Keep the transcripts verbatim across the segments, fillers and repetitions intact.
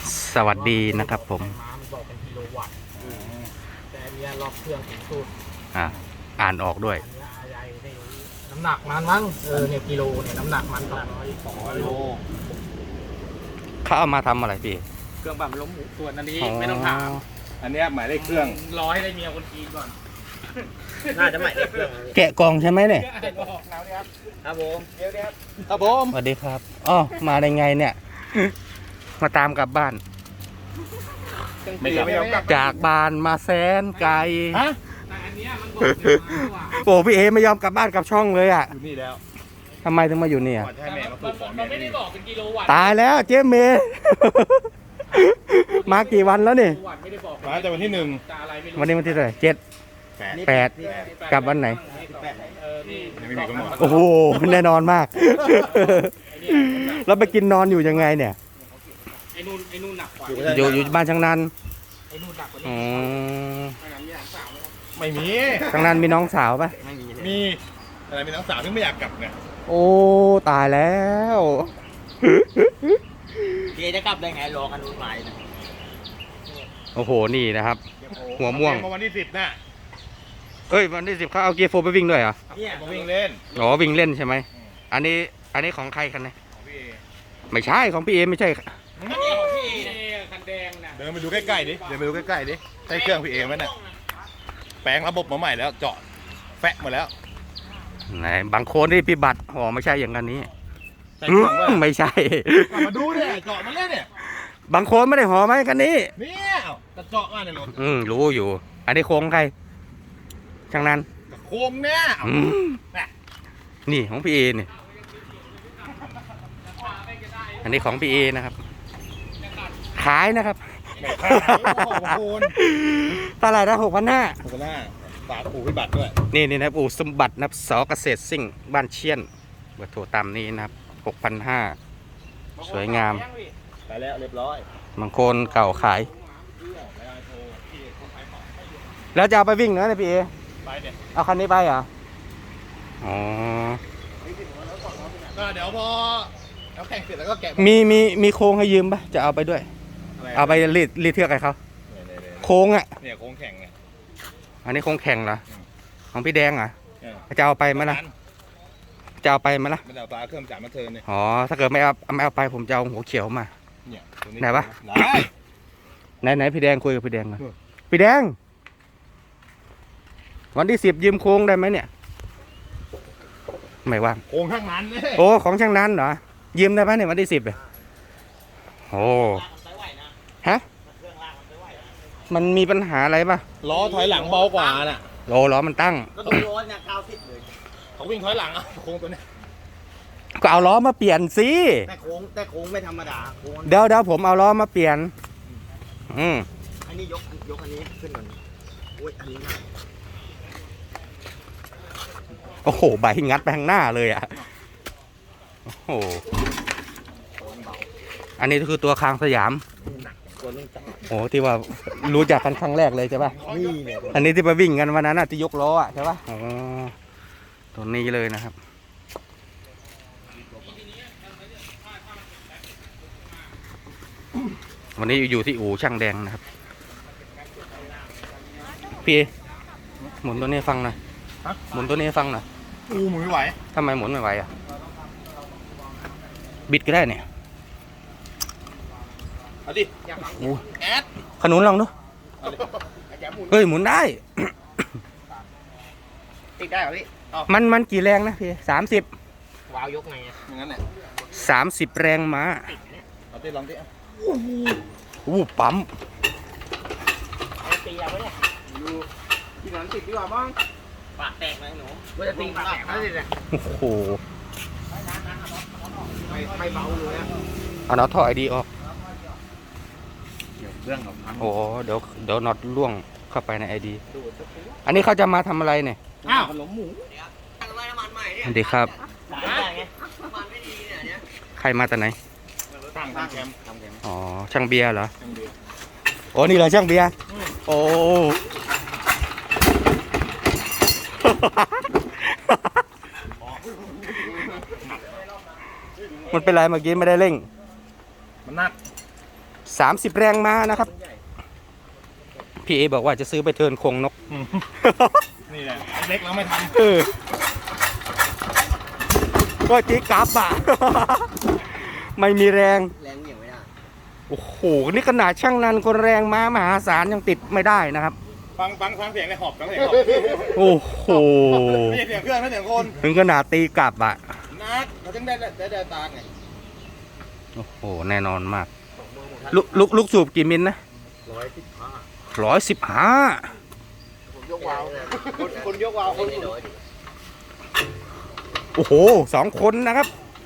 สวัสดีนะครับผมม้ามันบอกเป็นกิโลวัตต์แต่อันเนี้ยรอบเครื่องถึงสุดอ่าอ่านออกด้วยอันเนี้ยอะไรได้รู้น้ำหนักมันมั้งเออเนี่ยกิโลเนี่ยน้ำหนักมันสองร้อยสองร้อยโลเขาเอามาทำอะไรพี่เครื่องปั่นล้มหมูส่วนอันนี้อ๋อไม่ต้องถามอันเนี้ยหมายเลขเครื่องรอให้ได้เมียคนจีนก่อนน่าจะหมายเลขเครื่องแกะกล่องใช่ไหมเนี่ยแล้วเนี่ยครับครับผมเดี๋ยวเดี๋ยวครับผมสวัสดีครับอ๋อมาได้ไงเนี่ย มาตามกลับบ้านไม่กลับไม่ยอมกลับจากบ้านมาแสนไกลฮะแต่อันเนี้ยมันบอกเดี๋ยวมาว่ะโอ้พี่เอไม่ยอมกลับบ้านกลับช่องเลยอ่ะอยู่นี่แล้วทำไมถึงมาอยู่เนี่ยก่อนจะให้แม่มาปลูกของมัแม่นไม่ได้บอกเป็นกิโลวัตต์ตายแล้วเจ๊เมย์ มากี่วันแล้วนี่กิโลวัตต์ไม่ได้บอกมาแต่วันที่หนึ่งจะอะไรไม่รู้วันนี้วันที่เท่าไหร่เจ็ดแปดแปดกลับวันไหนเออนี่ยังไม่มีกำหนดโอ้โหแน่นอนมาก แล้วไปกินนอนอยู่ยังไงเนี่ยไอ้นู่นไอ้นู่นหนักกว่าอยู่อยู่บ้านช่างนันไอ้นู่นหนักกว่าอ๋นี้อไม่งั้นมีหลานสาวไหมครับไม่มีช่างนันมีน้องสาวปะไม่มีเลยมีอะไรมีน้องสาวที่ไม่อยากกลับไงโอ้ตายแล้วพี่จะกลับได้ไงรอกันนู่นหมายนะโอ้โหนี่นะครับ หัวม่วงมาวันที่สิบน่ะเอ้ยวันที่สิบเขาเอาเกียร์โฟร์ไปวิ่งด้วยเหรอเนี่ยมาวิ่งเล่นอ๋อวิ่งเล่นใช่ไหมอันนี้อันนี้ของใครกันเนี่ยของพี่เอไม่ใช่ของพี่เอไม่ใช่คันนี้ของพี่คันแดงนะเดินไปดูใกล้ๆดิเดินไปดูใกล้ๆดิใช้เครื่องพี่เอไหมน่ะแปลงระบบมาใหม่แล้วเจาะแฟะหมดแล้วไหนบางโคนที่พี่บัตรอ๋อไม่ใช่อย่างกันนี้ใช้เครื่องว่าไม่ใช่มาดูเนี่ยเจาะมาแล้วเนี่ยบางโคนไม่ได้ห่อไหมกันนี้เนี่ยกระเจาะมาเนี่ยรถอืมรู้อยู่ อันนี้โค้งใครช่างนั้นกระโคมเนี่ยอืมนี่ของพี่เอนี่อันนี้ของพี่เอนะครับ ขายนะครับแม่ขายโอ้โหคุณตลาดละหกพันห้าขอบคุณหน้าฝากปู่พิบัติด้วยนี่นี่นะครับอู่สมบัตินะครับสอเกษตรซิ่งบ้านเชียนเบอร์โทรตามนี้นะครับหกพันห้าสวยงามไปแล้วเรียบร้อยบางคนเก่าขาย แล้วจะเอาไปวิ่งเนอะเนี่ยพี่เอไปเนี่ยเอาคันนี้ไปเหรออ๋อก็เดี๋ยวพอเราแข่งเสร็จแล้วก็แกะมีมีมีโค้งให้ยืมปะจะเอาไปด้วยอะไรเอาไปรีดรีดเทือกให้เขาเนี่ยเนี่ยโค้งอ่ะเนี่ยโค้งแข่งไงอันนี้โค้งแข่งเหรออืมของพี่แดงเหรอเออจะเอาไปไหมล่ะจะเอาไปไหมล่ะไม่ได้เอาปลาเครื่องจับมาเทิร์นเนี่ยอ๋อถ้าเกิดไม่เอาไม่เอาไปผมจะเอาหัวเขียวมาเนี่ยตัวไหนวะได้ไหนไหนพี่แดงคุยกับพี่แดงหน่อยเออพี่แดง วันที่สิบยืมโค้งได้ไหมเนี่ย ไม่ว่างโค้งข้างนั้นเนี่ยโอ้ของช่างนั้นเหรอยืมได้ไหมเนี่ยวันที่สิบเลยโอ้ฮะมันมีปัญหาอะไรป่ะล้อถอยหลังเบากว่าน่ะโลล้อมันตั้งก็ต้องร้อนเนี่ยเก้าสิบเลยเขาวิ่งถอยหลังอ่ะโค้งตัวเนี้ยก็เอาล้อมาเปลี่ยนสิแต่โค้งแต่โค้งไม่ธรรมดาโค้งเดี๋ยวเดี๋ยวผมเอาล้อมาเปลี่ยน อืมอันนี้ยกยกอันนี้ขึ้นก่อนโอ้ยอันนี้ง่ายโอ้โหใบงัดไปข้างหน้าเลยอ่ะโอ้โหอันนี้ก็คือตัวคางสยามตัวนี้จังโอ้ที่ว่ารู้จักกันครั้งแรกเลยใช่ป่ะนี่เนี่ยอันนี้ที่ไปวิ่งกันวันนั้นน่ะที่ยกล้ออ่ะใช่ป่ะอ๋อตัวนี้เลยนะครับวันนี้อยู่ที่อู่ช่างแดงนะครับพี่หมุนตัวนี้ให้ฟังหน่อยหมุนตัวนี้ให้ฟังหน่อยอู้หมุนไม่ไหวทำไมหมุนไม่ไหวอ่ะบิดก็ได้เนี่ยเอาดิโอ้แอดขนุนลองดูเอาดิแกะหมุนเฮ้ยหมุนได้ติดได้เหรอพี่มันมันกี่แรงนะพี่สามสิบวาวยกไงอะอย่างนั้นแหละสามสิบแรงม้าเอาดิลองดิเอาอู้ปั๊มเอาตีเอาไว้เนี่ยดูที่นั้นติดดีกว่ามั้งปากแตกเลยหนูว่าจะตีปากแตกแล้วสิเนี่ยโอ้โหไม่ไม่เบาเลยอะเอาน็อตท่อไอดีออกเดี๋ยวเรื่องของพังโอ้เดี๋ยวเดี๋ยวน็อตล่วงเข้าไปในไอดีอันนี้เขาจะมาทำอะไรเนี่ยอ้าวขนมหมูน้ำมันใหม่เนี่ยสวัสดีครับได้ไงน้ำมันไม่ดีเนี่ยเนี่ยใครมาแต่ไหนตั้งทำแคมป์ทำแกงอ๋อช่างเบียร์เหรอแคมป์เดียวโอ้นี่เหรอช่างเบียร์โอ้ มันเป็นไรเมื่อกี้ไม่ได้เร่งมันหนักสามสิบแรงม้านะครับ พี่เอบอกว่าจะซื้อไปเทิร์นโคงนกนี่แหละเล็กแล้วไม่ทเออก็ตีกลับอ่ะ ไม่มีแรงแรงเหนียวไม่ได้โอ้โห นี่ขนาดช่างนันคนแรงม้ามหาศาลยังติดไม่ได้นะครับำฟังฟังฟังเสียงในหอบฟังเสียงหอบโอ้โหไม่ใช่เสียงเครื่องไม่ใช่เสียงคนถึงขนาดตีกลับอ่ะนักเราต้องได้ได้ได้ตาไงโอ้โห แน่นอนมาก ลูกลูกลูกสูบกี่มิลนะร้อยสิบห้าร้อยสิบห้าผมยกวาวคนคนยกวาวคนน้อยดิโอ้โห สองคนนะครับ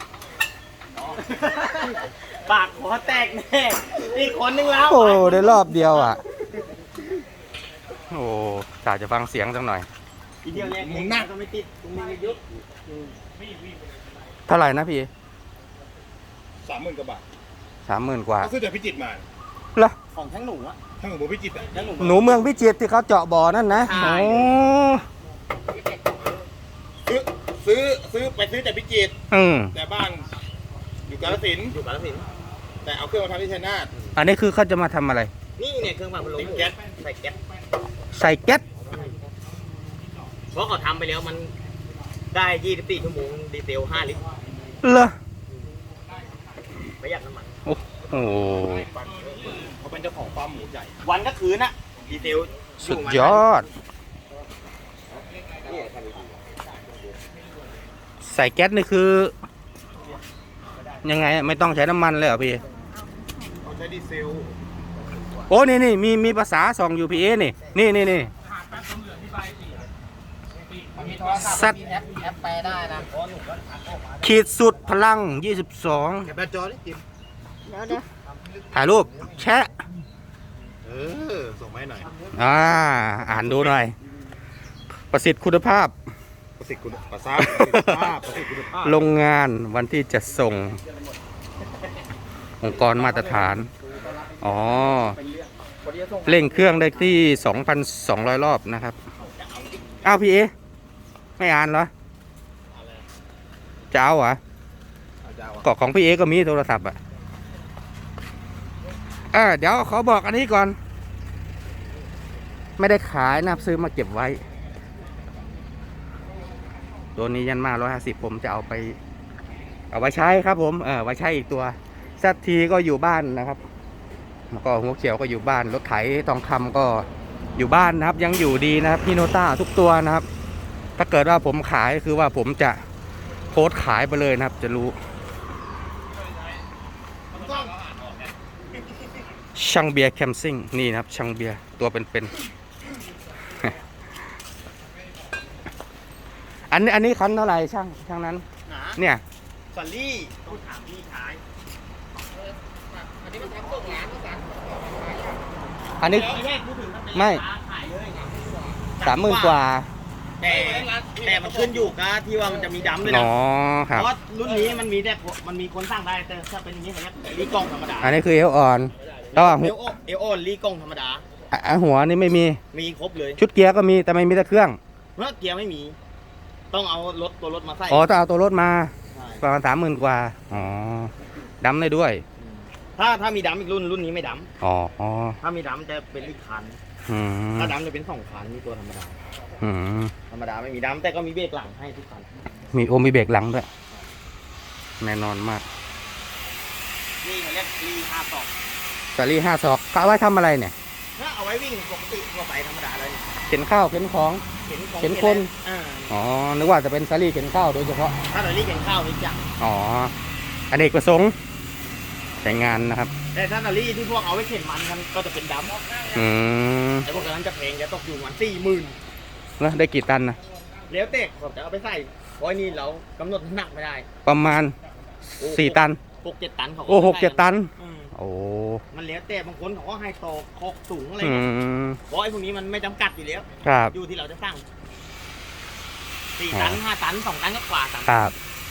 ปากหัวแตกแน่อีกคนนึงแล้วโอ้ได้รอบเดียวอ่ะ โอ้กะจะฟังเสียงสักหน่อยอีเดียวเนี่ยมึงนั่งก็ไม่ติดตรงนี้ไม่ยุบเท่าไหร่นะพี่สามหมื่นกว่าบาทสามหมื่นกว่าเขาซื้อจากพิจิตรมาเหรอของทั้งหนูอะทั้งของผมพิจิตรอ่ะทั้งหนูหนูเมืองพิจิตรที่เขาเจาะบ่อนั่นนะใช่โอ้ซื้อซื้อซื้อไปซื้อจากพิจิตรอืมแต่บ้านอยู่กาฬสินธุ์อยู่กาฬสินธุ์แต่เอาเครื่องมาทำที่ชัยนาทอันนี้คือเขาจะมาทำอะไรนี่เนี่ยเครื่องปั่นพัดลมติดแก๊สใส่แก๊สใส่แก๊สเพราะเขาทำไปแล้วมันได้ยี่สิบสี่ชั่วโมงดีเซลห้าลิตรเหรอประหยัดน้ำมันโอ้โหเขาเป็นเจ้าของฟาร์มหมูใหญ่วันก็คืนอะดีเซลสุดยอด ใส่แก๊สนี่คือ ยังไงอะไม่ต้องใช้น้ำมันเลยเหรอพี่เขาใช้ดีเซลโอ้ นี่นี่มีมีภาษาส่องอยู่พี่เอนี่ นี่นี่นี่สัตว์แอปแอปแปลได้นะขีดสุดพลังยี่สิบสองแกะแบตจอดิจิมเดี๋ยวเดี๋ยวถ่ายรูป แชะเออ ส่งมาให้หน่อยอ่า อ่านดูหน่อย ประสิทธิ์คุณภาพประสิทธิ์คุณภาพประสิทธิภาพประสิทธิคุณภาพโรงงานวันที่จะส่ง องค์กรมาตรฐาน อ๋อ เร่งเครื่องได้ที่ สองพันสองร้อย รอบนะครับ อ้าวพี่เอ ไม่อ่านเหรอ จะเอาเหรออาจารย์ก็ของพี่เอก็มีโทรศัพท์อ่ะเออเดี๋ยวขอบอกอันนี้ก่อน ไม่ได้ขายนะครับซื้อมาเก็บไว้ ตัวนี้ยันมาร้อยห้าสิบผมจะเอาไป เอาไว้ใช้ครับผม เออไว้ใช้อีกตัวซัตทีก็อยู่บ้านนะครับแล้วก็หัวเขียวก็อยู่บ้าน รถไถทองคำก็อยู่บ้านนะครับ ยังอยู่ดีนะครับพี่โนต้าทุกตัวนะครับ ถ้าเกิดว่าผมขายคือว่าผมจะโพสต์ขายไปเลยนะครับ จะรู้ ช่างเบียร์แคมซิ่งนี่นะครับ ช่างเบียร์ตัวเป็นๆ อันนี้อันนี้คันเท่าไหร่ช่างช่างนั้นหนาเนี่ยสัลลี่ต้องถามพี่ชายอันนี้มันทำส่งร้านก็สั่งอันนี้ไม่ใช่พูดถึงถ้าเป็นไม่ราคาขายเลยสามหมื่นกว่าแต่แต่มันขึ้นอยู่กับที่ว่ามันจะมีดำด้วยอ๋นะอคเพรับราะรุ่นนี้มันมีแต่มันมีคนสร้างได้แต่ถ้าเป็นอย่างนี้มันจะรีกล้องธรรมดาอันนี้คือเอวอ่อนแต่ว่าเอหัวลโอเอลโอนรีกล้องธรรมดาอ่ะหัวนี่ไม่มีมีครบเลยชุดเกียร์ก็มีแต่ไม่มีแต่เครื่องเพราะเกียร์ไม่มี ต้องเอารถตัวรถมาใส่อ๋อต้องเอาตัวรถมาใช่ประมาณสามหมื่นกว่าอ๋อดำได้ด้วยถ้าถ้ามีดำอีกรุ่นรุ่นนี้ไม่ดอ๋ออ๋อำถ้ามีดำจะเป็นอีกคันอืมถ้าดำจะเป็นสองคันมีตัวธรรมดาอืมธรรมดาไม่มีดำแต่ก็มีเบรกหลังให้ทุกคันมีโอมีเบรกหลังด้วยแน่นอนมากนี่เขาเรียกรีห้าสองสาลี่ห้าศอกเขาเอาไว้ทำอะไรเนี่ยถ้าเอาไว้วิ่งปกติทั่วไปธรรมดาเลยเข็นข้าวเข็นของเข็นของเข็นคนอ่าอ๋อ นึกว่าจะเป็นสาลี่เข็นข้าวโดยเฉพาะถ้าเรารีเข็นข้าวนี่จังอ๋ออเนกประสงค์ใช้งานนะครับแต่ถ้าเรารีที่พวกเอาไว้เข็นมันกันก็จะเป็นดอืมำแต่พวกนั้นจะแพงจะตกอยู่ประมันสี่หมื่นแล้วได้กี่ตันนะแล้วเตะผมจะเอาไปใส่เพราะนี่เรากำหนดน้ำหนักไม่ได้ประมาณสี่ตันหกเจ็ดตันเขาโอ้หกเจ็ดตันอืมโอ้มันแล้วแต่บางคนเขาก็ให้โตโคกสูงอะไรอืเงี้ยมเพราะไอ้พวกนี้มันไม่จำกัดอยู่แล้วครับอยู่ที่เราจะสั่งสี่ตันห้าตันสองตันก็กว่าตันครับ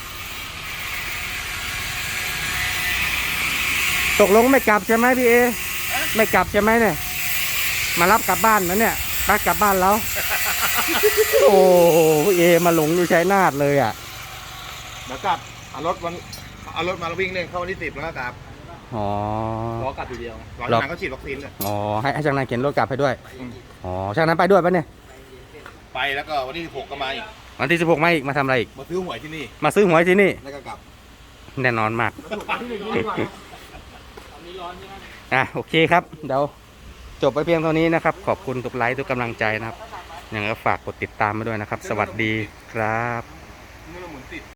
ตกลงไม่กลับใช่ไหมพี่เอ ไม่กลับใช่ไหมเนี่ย มารับกลับบ้านนะเนี่ยไปกลับบ้านแล้ว โอ้พี่เอมาหลงอยู่ชัยนาทเลยอ่ะแล้วกลับเอารถวันเอารถมาวิ่งเล่นเข้าวันที่สิบแล้วก็กลับอ๋อรอกลับทีเดียวรอจากนั้นก็ฉีดวัคซีนเลยอ๋อให้ให้ช่างนั้นเข็นรถกลับให้ด้วยอืมอ๋อช่างนั้นไปด้วยปะเนี่ยไปแล้วก็วันที่สิบหกก็มาอีกวันที่สิบหกมาอีกมาทำอะไรอีกมาซื้อหวยที่นี่มาซื้อหวยที่นี่แล้วก็กลับแน่นอนมากถูกที่หนึ่งดีกว่าตอนนี้ร้อนใช่ไหมอ่ะโอเคครับเดี๋ยวจบไปเพียงเท่านี้นะครับ ขอบคุณทุกไลค์ทุกกำลังใจนะครับยังไงก็ฝากกดติดตามมาด้วยนะครับ สวัสดีครับ